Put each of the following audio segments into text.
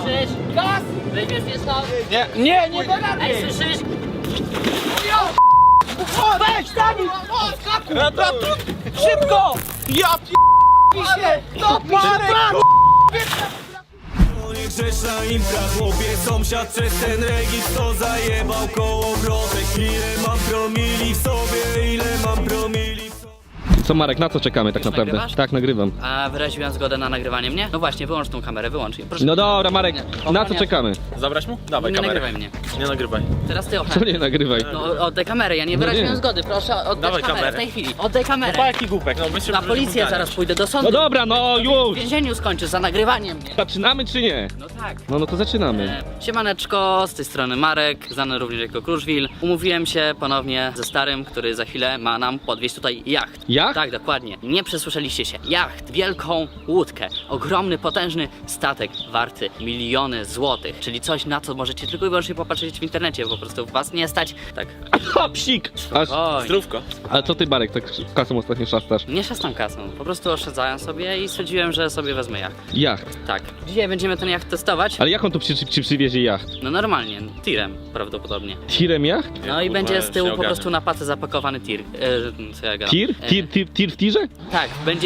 Słyszysz? Gaz! Weźmiesz mnie stąd? Nie da rady! Ej, słyszysz? Weź, Dani! Szybko! Ja się! No, Marek! Grzeszna impra, chłopie, sąsiad przez ten regis to zajebał kołowrotek. Ile mam promili w sobie, ile mam promili w sobie. Co Marek, na co czekamy tak Już naprawdę? nagrywasz? Tak, nagrywam. A wyraziłem zgodę na nagrywanie mnie? No właśnie, wyłącz tą kamerę, wyłącz. Proszę. No dobra Marek, na co czekamy? Zabrać mu? Dawaj Nie kamerę. nagrywaj mnie. Nie nagrywaj. Teraz ty Co ochronisz. nie nagrywaj? No oddaj kamerę, ja nie wyraziłem nie. zgody, proszę oddać Dawaj kamerę kamerę. w tej chwili. Oddaj kamerę. Jaki głupek, no my się Na policję zaraz pójdę do sądu. No dobra, no W już! więzieniu skończysz za nagrywanie mnie. Zaczynamy czy nie? No tak. No to zaczynamy. Siemaneczko, z tej strony Marek, znany również jako Kruszwil. Umówiłem się ponownie ze starym, który za chwilę ma nam podwieźć tutaj jacht. Jacht? Tak, dokładnie. Nie przesłyszeliście się. Jacht, wielką łódkę, ogromny, potężny statek warty miliony złotych, czyli coś, na co możecie tylko i wyłącznie popatrzeć w internecie, po prostu was nie stać. Tak. Ha, psik! Aż... Oj. Zdrówko. Ale co ty Marek, tak kasą ostatnio szastasz? Nie szastam kasą, po prostu oszczędzałem sobie i stwierdziłem, że sobie wezmę jacht. Jacht. Tak. Dzisiaj będziemy ten jacht testować. Ale jak on tu ci przywiezie jacht? No normalnie, tirem prawdopodobnie. Tirem jacht? No i kurwa, będzie z tyłu się po ogarnę. prostu na patę zapakowany tir. Co ja gadam? Tir? Tir w tirze? Tak,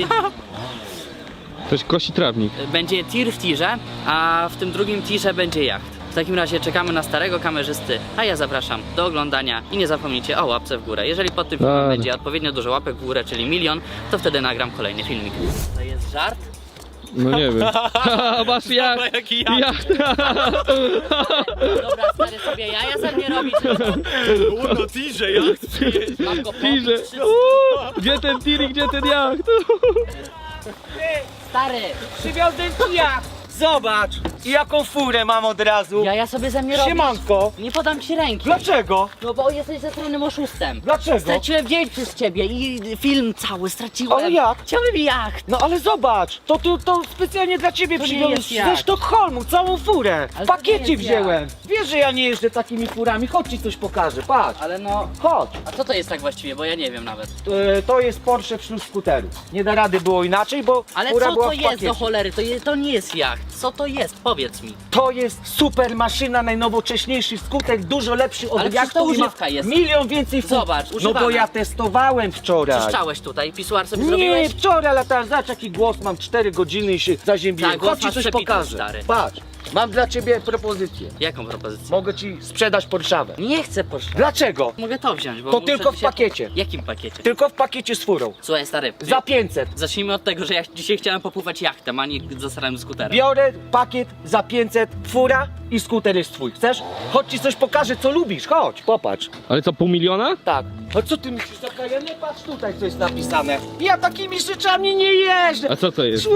Ktoś kosi trawnik. będzie tir w tirze, a w tym drugim tirze będzie jacht. W takim razie czekamy na starego kamerzysty, a ja zapraszam do oglądania i nie zapomnijcie o łapce w górę. Jeżeli pod tym filmem Dobra. będzie odpowiednio dużo łapek w górę, czyli 1 000 000, to wtedy nagram kolejny filmik. To jest żart? No nie wiem. Masz jacht! jaki jacht. Dobra, stary sobie jaja ze mnie robić. No tirze, jak? Mam go Tirze! pobić, czy- Gdzie ten tir i gdzie ten jacht? Stary, Przywiozłem ci jacht! Zobacz! I jaką furę mam od razu! jaja sobie ze mnie robisz. Siemanko! Nie podam ci ręki. Dlaczego? No bo jesteś zestranym oszustem. Dlaczego? Straciłem dzień przez ciebie i film cały straciłem. Ale jak? Chciałbym jacht. No ale zobacz! To specjalnie dla ciebie To nie przywiozłem jest jacht. ze Sztokholmu, całą furę! Ale W to nie pakiecie jest wziąłem! Wiesz, że ja nie jeżdżę takimi furami, chodź ci coś pokażę, patrz! Ale no, Chodź! a co to jest tak właściwie, bo ja nie wiem nawet. To jest Porsche wśród skuterów. Nie da rady było inaczej, bo Ale fura co była to w jest pakiecie. do cholery? To nie jest jacht. Co to jest? Powiedz mi. To jest super maszyna, najnowocześniejszy skuter, dużo lepszy od Ale przecież to jachtu i ma używka jest. milion więcej funkcji. Zobacz, No używana. bo ja testowałem wczoraj. Czyszczałeś tutaj, pisuar sobie Nie, zrobiłeś? wczoraj latałem, zobacz jaki głos mam, 4 godziny i się zaziębiłem. Tak, głos Chodź ci masz coś przebity, pokażę. stary. Patrz, mam dla ciebie propozycję. Jaką propozycję? Mogę ci sprzedać Porszawę. Nie chcę poszła. Dlaczego? Mogę to wziąć, bo To muszę tylko w dzisiaj- pakiecie. Jakim pakiecie? Tylko w pakiecie z furą. Słuchaj stary, Za 500. zacznijmy od tego, że ja dzisiaj chciałem popływać jachtem, a nie zasrałem skuterem. Biorę pakiet za 500, fura i skuter jest twój. Chcesz? Chodź ci coś pokażę, co lubisz. Chodź, popatrz. Ale co, pół miliona? Tak. A co ty myślisz, taka ja nie patrz tutaj, co jest napisane. Ja takimi rzeczami nie jeżdżę. A co to jest?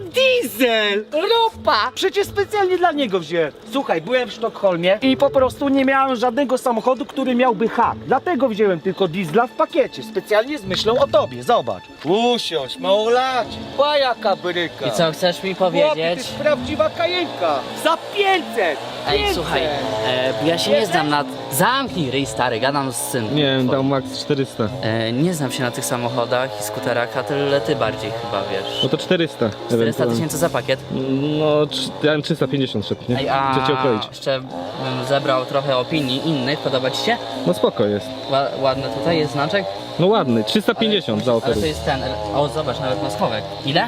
Diesel! Ropa! Przecież specjalnie dla niego wziąłem. Słuchaj, byłem w Sztokholmie i po prostu nie miałem żadnego samochodu, który miałby hak. Dlatego wziąłem tylko diesla w pakiecie. Specjalnie z myślą o tobie, zobacz. Usiądź, małolacie. Pa jaka bryka. I co, chcesz mi Chłopie, to powiedzieć? jest prawdziwa kajenka. Za 500! Ej, 500. słuchaj, bo ja się nie znam na... Zamknij ryj stary, gadam z synem. Nie wiem, dał max 400. Nie znam się na tych samochodach i skuterach, a tyle ty bardziej chyba wiesz. No to 400. 400 ewentualnie. tysięcy za pakiet. No, ja bym 350 szedł, nie? Ej, Chcę cię a okroić. jeszcze bym zebrał trochę opinii innych, podoba ci się? No spoko jest. Ładny tutaj jest znaczek? No ładny, 350 za Ale oferu. to jest ten, o zobacz, nawet ma schowek. Ile?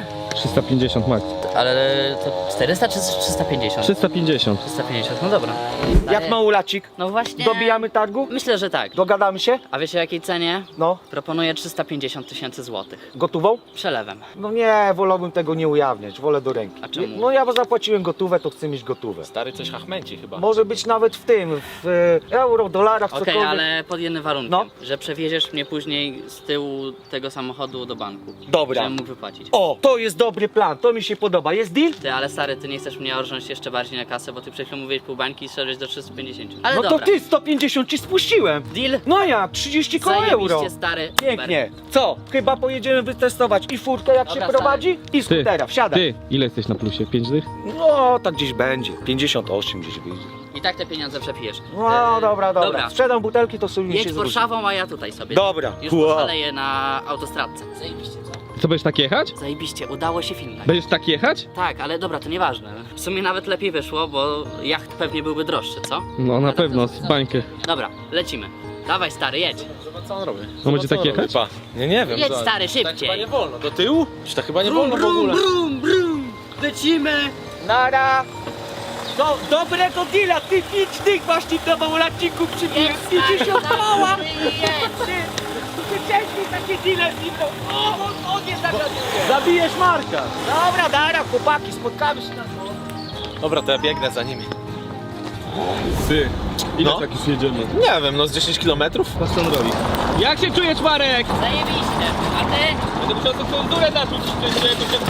350 max. Ale to 400 czy 350? 350. 350, no dobra. Jak małolacik? No właśnie... Dobijamy targu? Myślę, że tak. Dogadamy się? A wiecie o jakiej cenie? No. Proponuję 350 tysięcy złotych. Gotową? Przelewem. No nie, wolałbym tego nie ujawniać, wolę do ręki. A czemu? No ja zapłaciłem gotówę, to chcę mieć gotówę. Stary coś hachmęci chyba. Może być nawet w tym, w euro, dolarach, Okej, cokolwiek. ale pod jednym warunkiem, No. że przewieziesz mnie później z tyłu tego samochodu do banku. Dobra. Żebym mógł wypłacić. O, to jest dobry plan, to mi się podoba. Jest deal? Ty, ale stary, ty nie chcesz mnie orząć jeszcze bardziej na kasę, bo ty przed chwilą mówiłeś pół bańki i szedłeś do 350. Ale No dobra. to ty 150 ci spuściłem. Deal? No jak, 30 koło euro. Zajebiście, stary. Pięknie. Co? Chyba pojedziemy wytestować i furkę jak Dobra, się prowadzi i Ty, skutera. Wsiadaj. ty, ile jesteś na plusie? 5 dych? No, tak gdzieś będzie. 58 gdzieś wyjdzie. I tak te pieniądze przepijesz. No, dobra. Dobra. Sprzedam butelki, to sobie mi Jedź się zwróci. Warszawą, a ja tutaj sobie. Dobra. Już Wow. poszaleję na autostradce. Zajebiście, co? Co, będziesz tak jechać? Zajebiście, udało się film nagrać. Będziesz tak jechać? Tak, ale dobra, to nieważne. W sumie nawet lepiej wyszło, bo jacht pewnie byłby droższy, co? No na Ale pewno, to- z bańkę. Dobra, lecimy. Dawaj stary, jedź. Zobacz co on robi. No będzie Zobacz, co tak on jechać? robi, pa. Nie wiem. Jedź, co- stary, Tak szybciej. chyba nie wolno. Do tyłu? Czy tak chyba nie wolno w ogóle? brum, lecimy. Nara! Dobrego deala, ty 5 tych właśnie do małolacików przybiłem. Idzie się odpała! Wcześniej takie deale znikną. On nie zagaduje. Zabijesz Marka. Dobra, Dara, chłopaki, spotkamy się na dworze. Dobra, to ja biegnę za nimi. Ty, ile No. tak już jedziemy? Nie wiem, no z 10 kilometrów? Patrz co on robi. Jak się czujesz, Marek? Zajebiście. A ty? Będę musiał tą kondurę narzucić, żeby to się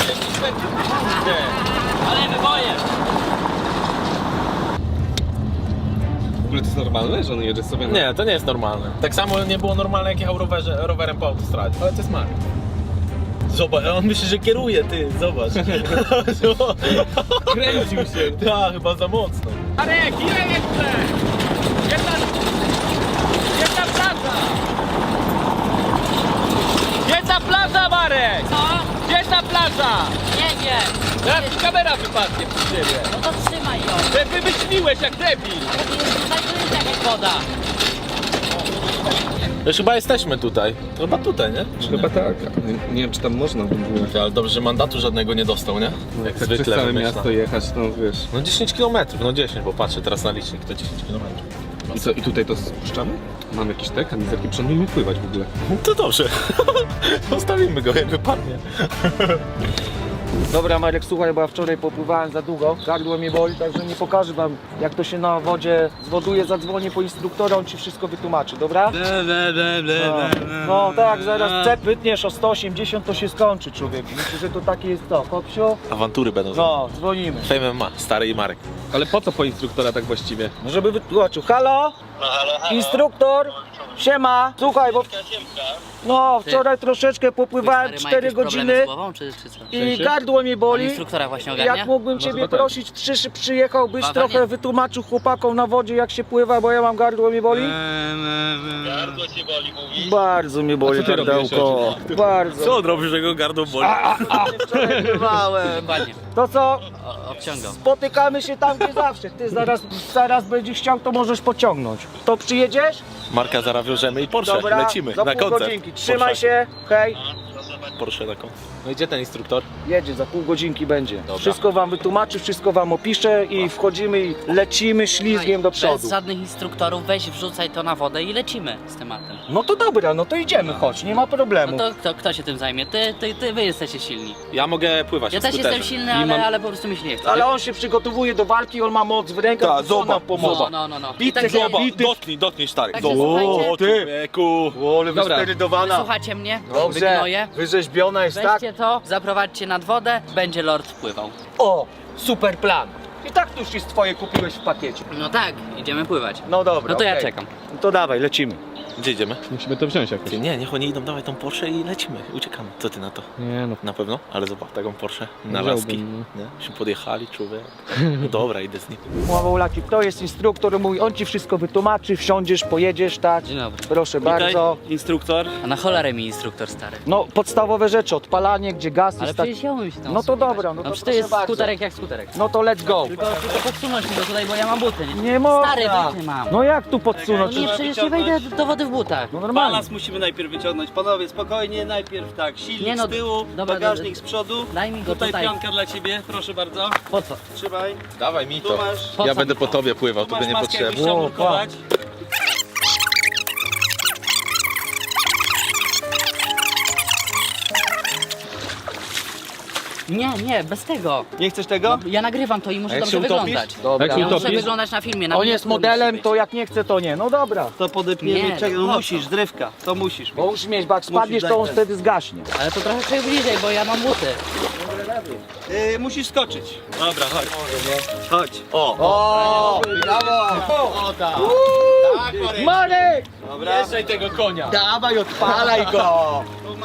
Ale wybojem. W ogóle to jest normalne, że on jedzie sobie na... Nie, to nie jest normalne. Tak samo nie było normalne, jak jechał rowerem po autostradzie. Ale to jest Marek. Zobacz, on myśli, że kieruje, ty, zobacz. Kręcił się. Tak, chyba za mocno. Marek, ile jeszcze? Jedna plaża! Jedna plaża, Marek! Co? Gdzie jest ta plaża? Nie wiem. Teraz ci kamera wypadnie przy ciebie. No to trzymaj ją. Ty wymyśliłeś jak debil. Ale ty jest tutaj, to jest jakaś woda. Już chyba jesteśmy tutaj. Chyba tutaj, nie? Chyba tak. Nie wiem, czy tam można by było. Ale dobrze, że mandatu żadnego nie dostał, nie? Jak Tak zwykle przez całe wymyśla. miasto jechać, no wiesz. No 10 km, no 10, bo patrzę teraz na licznik, to 10 km. I co, i tutaj to spuszczamy? Mam jakiś te kamizelki, przed nimi pływać w ogóle. To dobrze. Zostawimy go, jak wypadnie. Dobra Marek, słuchaj, bo ja wczoraj popływałem za długo, gardło mnie boli, także nie pokażę wam jak to się na wodzie zwoduje, zadzwonię po instruktora, on ci wszystko wytłumaczy, dobra? No tak, zaraz cep wytniesz o 180 to się skończy, człowiek. Myślę, że to takie jest to, Kopsiu? Awantury będą. No, dzwonimy. Fame MMA, stary i Marek. Ale po co po instruktora tak właściwie? Żeby wytłumaczył. Halo? Instruktor? Siema. Słuchaj, bo... No, wczoraj troszeczkę popływałem Stary, ma 4 jakieś problemy godziny z głową, czy co? i gardło mnie On boli. instruktora właśnie ogarnia? Jak mógłbym Może ciebie chyba tak. prosić, przyjechałbyś, Baba trochę nie. wytłumaczył chłopakom na wodzie jak się pływa, bo ja mam gardło mnie boli? Gardło cię boli, mówisz? Bardzo mnie boli A co ty robisz? gardełko. Bardzo. Co on robi, że go gardło boli? Wczoraj pływałem. Dokładnie. To co? Obciągał. Spotykamy się tam gdzie zawsze. Ty zaraz będziesz chciał, to możesz pociągnąć. To przyjedziesz? Marka zaraz wiążemy i Porsche, Dobra, lecimy za na pół koncert. godzinki. Trzymaj Porsche. się, hej. Porsche na koncert. No i gdzie ten instruktor? Jedzie, za pół godzinki będzie. Dobra. Wszystko wam wytłumaczy, wszystko wam opisze i wchodzimy i lecimy ślizgiem do przodu. Bez żadnych instruktorów, weź wrzucaj to na wodę i lecimy z tematem. No to dobra, no to idziemy, chodź, nie ma problemu. No to kto się tym zajmie? Wy jesteście silni. Ja mogę pływać Ja na też skuterze. jestem silny, ale po prostu mi się nie chce. Ale on się przygotowuje do walki, on ma moc w rękach, Tak, to co nam zobacz, pomoże. No. I Bity, tak zobacz. Dotknij stary. Także słuchajcie. O, człowieku. Ale Dobra, wysterydowana. Słuchacie mnie? Dobrze, Wygnoję. wyrzeźbiona jest, tak? Weźcie to, zaprowadźcie nad wodę, będzie lord wpływał. O, super plan. I tak to już jest twoje, kupiłeś w pakiecie. No tak, idziemy pływać. No dobra, No to ja okej. czekam. No to dawaj, lecimy. Gdzie idziemy? Musimy to wziąć jakoś. Ty, nie, niech oni idą, dawaj tą Porsche i lecimy, uciekamy. Co ty na to? Nie no. Na pewno? Ale zobacz, taką Porsche na Wziąłbym, laski. no. Nie? Się podjechali, człowiek. No dobra, idę z nim. Mławolaki, to jest instruktor mój, on ci wszystko wytłumaczy, wsiądziesz, pojedziesz, tak? Dzień dobry. Proszę bardzo. Instruktor. A na cholerę mi instruktor stary. No, podstawowe rzeczy, odpalanie, gdzie gaz Ale jest tak. przecież ja umiem się tam No to obsługiwać. dobra, no to przecież to proszę jest bardzo. skuterek jak skuterek. No to let's go. Tylko podsunąć mi go tutaj, bo ja mam buty, nie? Nie można. Stary, buty mam. No jak tu No podsunąć? nie, przecież nie wejdę do wody w butach. No normalnie. Balans musimy najpierw wyciągnąć. Panowie, spokojnie, najpierw tak, silnik Nie no, z tyłu, dobra, bagażnik z przodu. Daj mi go Tutaj tutaj. pianka dla ciebie, proszę bardzo. Po co? Trzymaj. Dawaj mi Tu to. masz, Po Ja co będę mi po to? tobie pływał, tu tobie masz maskę, jakbyś niepotrzebnie. chciał Ło, nurkować. Nie, bez tego. Nie chcesz tego? No, ja nagrywam to i muszę A jak dobrze się utopisz? wyglądać. Dobra. Jak się Ja muszę utopisz? wyglądać na filmie. Na On mnie jest to musi modelem, być. to jak nie chce, to nie. No dobra. To podepniemy, Nie, czekaj, po no co? musisz, drewka, to musisz. Bo musisz mieć, bo jak spadniesz, dać to on ten. wtedy zgaśnie. Ale to trochę trzeba bliżej, bo ja mam buty. Musisz skoczyć. Dobra, chodź. Chodź. O, brawo! Marek! Dobra. Jeżdżaj tego konia. Dawaj, odpalaj go! Tu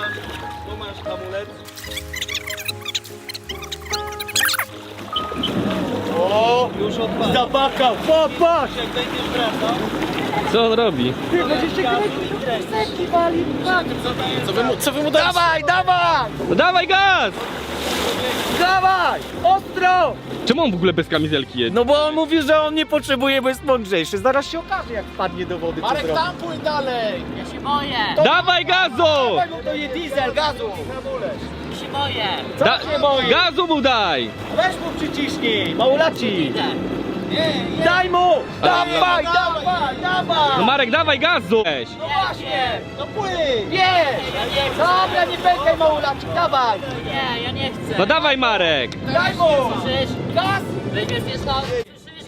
masz hamulec. O, już odpadł. Zabakał, popatrz! Co on robi? Ty będziecie kręcić wali. Co wy mu dacie? Dawaj, dawaj! No dawaj gaz! Dawaj! Ostro! Czemu on w ogóle bez kamizelki jedzie? No bo on mówi, że on nie potrzebuje, bo jest mądrzejszy. Zaraz się okaże, jak wpadnie do wody. Marek, tampuj dalej! Ja się boję! Dawaj gazu! Dawaj mu to je diesel, gazu! Ja się boję! Co się boisz? Gazu mu daj! Weź mu przyciśnij, małolaci! Idę! Daj mu! Dawaj, dawaj, dawaj! No Marek, dawaj gazu! Weź. No właśnie! No płyń! Nie! Dobra, nie pękaj małolaci, dawaj! Nie, ja nie chcę! No dawaj Marek! Daj mu! Słyszysz? Gaz! Weźmiesz mnie stąd! Słyszysz?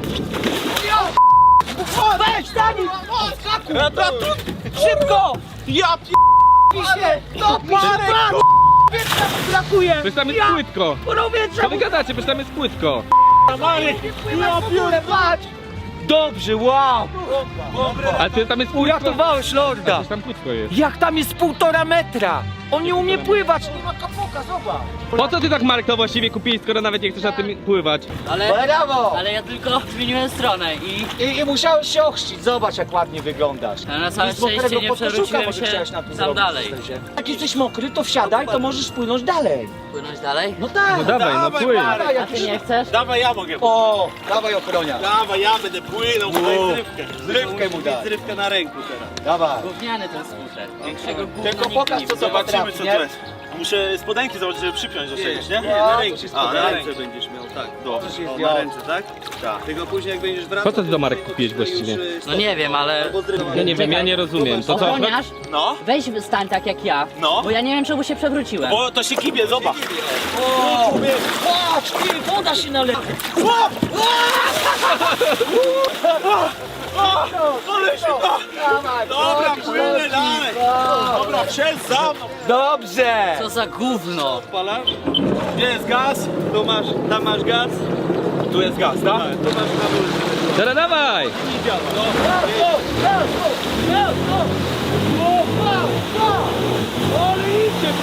Weź, Dani! Szybko! Ja Pisie! No, Marek! Wietrza brakuje! Przecież tam jest Ja! płytko! Powietrza Co wy gadacie? Przecież tam jest płytko! Ja piórę, patrz! Dobrze, wow! Ale ty tam jest płytko! Uratowałeś lorda! Przecież tam płytko jest. Jak tam jest 1,5 metra! On nie umie pływać! Nie ma kapoka, zobacz! Po co ty tak Marek to właściwie kupiłeś, skoro nawet nie chcesz na tym pływać? Brawo! Ale ja tylko zmieniłem stronę i I musiałeś się ochrzcić, zobacz jak ładnie wyglądasz. ale na całe Nic mokrego szczęście nie podkoszuka przewróciłem może się chciałeś na tym tam zrobić, dalej. Stasie. Jak jesteś mokry, to wsiadaj, to możesz płynąć dalej. Płynąć dalej? No tak! No dawaj, no płyń! Dawaj, A jak ty nie chcesz? Dawaj, ja mogę. O, dawaj ochroniarz. Dawaj, ja będę płynął, daj zrywkę. Zrywkę mu daj. Zrywkę na ręku teraz. Dawaj. Gówniany ten skuter. Większego gówna Tylko nigdy pokaż, nie co widziałem. Zobaczymy, potrafi, co nie? to jest. Muszę spodenki zobaczyć, żeby przypiąć do czegoś, nie? na ręce. A, na ręce będziesz miał, tak. Dobrze. Możesz je O, zdjąć. na ręce, tak? Tak. Tylko później jak będziesz wracał... Po co ty do Marek kupiłeś właściwie? No nie wiem, ale... Ja nie wiem, ja nie rozumiem. To co? Ochroniarz, No, weź stań tak jak ja, No. bo ja nie wiem czemu się przewróciłem. bo to się kibie, zobacz. O, patrz, ty, woda się nalewa. Ale się da! Dawaj, Dobra, chodź, płynę chodź. dalej! Dobra, strzel za mną! Dobrze! Co za gówno! Odpalasz? Gdzie jest gaz? Tu masz, tam masz gaz. Tu jest gaz, tak? Tu masz hamulec. Teraz dawaj! I działa, no. Ale idzie,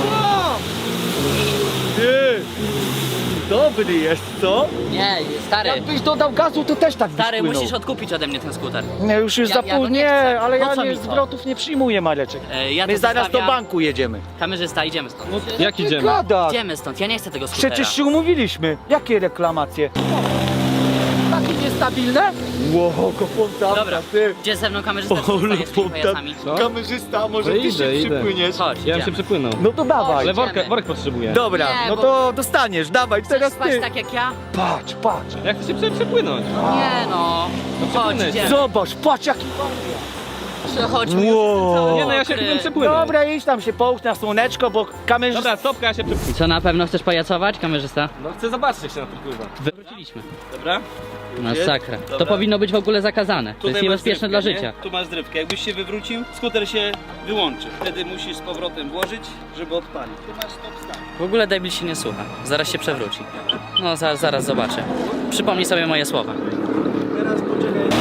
Ty! Dobry jest, co? Nie, stary, Jakbyś dodał gazu, to też tak byś stary, płynął. musisz odkupić ode mnie ten skuter. Nie, już jest Ja- za ja go późno. nie Nie, chcę. ale Po ja co nie mi to? zwrotów nie przyjmuję, Mareczek. Ja My to zaraz do zostawiam. banku jedziemy. Kamerzysta, idziemy stąd. Jak Ty idziemy? gadasz? Idziemy stąd, ja nie chcę tego skutera. Przecież się umówiliśmy. Jakie reklamacje? Takie niestabilne? Wow, fontanna, Dobra, ty. gdzie ze mną kamerzysta, czy Ole, zostajesz z tymi fontan- pajacami? Co? Kamerzysta, może No ty idę, się idę. przypłyniesz? Chodź, Ja bym się idziemy. przepłynął. No to dawaj. Ale idziemy. worek potrzebuję. Dobra, Nie, no bo- to dostaniesz, dawaj, Chcesz teraz spać ty. tak jak ja? Patrz, patrz. Jak chcesz się przepłynąć? Nie no. Chodź, przepłynę idziemy. Zobacz, patrz jaki... Przechodźmy Wow. Nie no, ja się mokry. bym przepłynął. Dobra, idź tam się połóż na słoneczko, bo kamerzysta... Dobra, stopka, ja się przepłynę. Co, na pewno chcesz pajacować, kamerzysta? No chcę zobaczyć, jak się na to pływa. Wywróciliśmy. Dobra? Masakra. To Dobra. powinno być w ogóle zakazane. To jest masz niebezpieczne zrywkę, dla nie? życia. Tu masz zrywkę. Jakbyś się wywrócił, skuter się wyłączy. Wtedy musisz z powrotem włożyć, żeby odpalić. Tu masz stop start. W ogóle debil się nie słucha. Zaraz się przewróci. No, zaraz zobaczę. Przypomnij sobie moje słowa. Teraz poczekaj.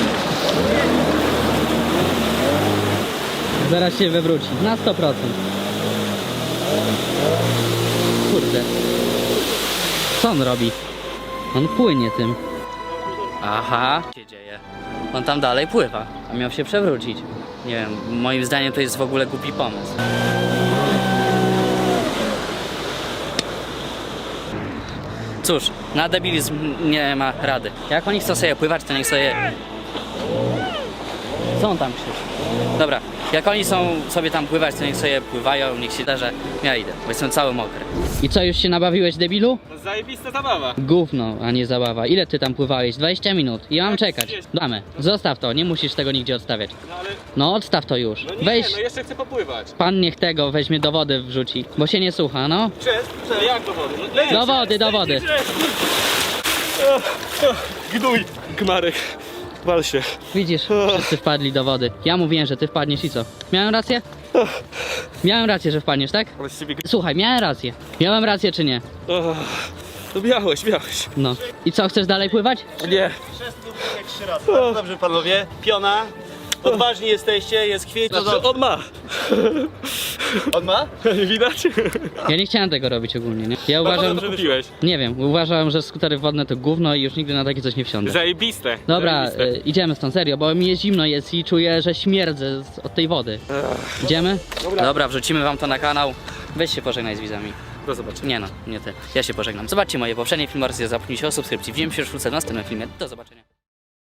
Zaraz się wywróci. Na 100%. Kurde. Co on robi? On płynie tym. Aha. Co się dzieje? On tam dalej pływa. A miał się przewrócić. Nie wiem, moim zdaniem to jest w ogóle głupi pomysł. Cóż, na debilizm nie ma rady. Jak oni chcą sobie pływać, to niech sobie... Co on tam krzyczy? Dobra, jak oni są sobie tam pływać, to niech sobie pływają, niech się da, że ja idę, bo jestem cały mokry. I co, już się nabawiłeś, debilu? No zajebista zabawa. Gówno, a nie zabawa. Ile ty tam pływałeś? 20 minut. I mam czekać. Damy. Zostaw to, nie musisz tego nigdzie odstawiać. No ale... No odstaw to już. No nie, Weź, no jeszcze chcę popływać. pan niech tego weźmie do wody wrzuci, bo się nie słucha, no. Przez? Jak do wody? Do wody, do wody. Gnój. Gmarek. Wal się. Widzisz, wszyscy wpadli do wody. Ja mówiłem, że ty wpadniesz i co? Miałem rację? Miałem rację, że wpadniesz, tak? Ale z ciebie... Słuchaj, miałem rację. Miałem rację czy nie? To miałeś. No. I co, chcesz dalej pływać? Nie. Dobrze panowie. Piona. Odważni jesteście, jest kwiecień. Znaczy, on ma. On ma? Nie widać? Ja nie chciałem tego robić ogólnie, nie? Ja uważam, Kupiłeś. nie wiem, uważam, że skutery wodne to gówno i już nigdy na takie coś nie wsiądę. Zajebiste. Dobra, Zajebiste. idziemy stąd, serio, bo mi jest zimno jest i czuję, że śmierdzę od tej wody. Idziemy? Dobra, wrzucimy wam to na kanał. Weź się pożegnaj z widzami. Do zobaczenia. Nie no, nie ty. Ja się pożegnam. Zobaczcie moje poprzednie filmy oraz zapomnijcie o subskrypcji. Widzimy się już wkrótce w następnym filmie. Do zobaczenia.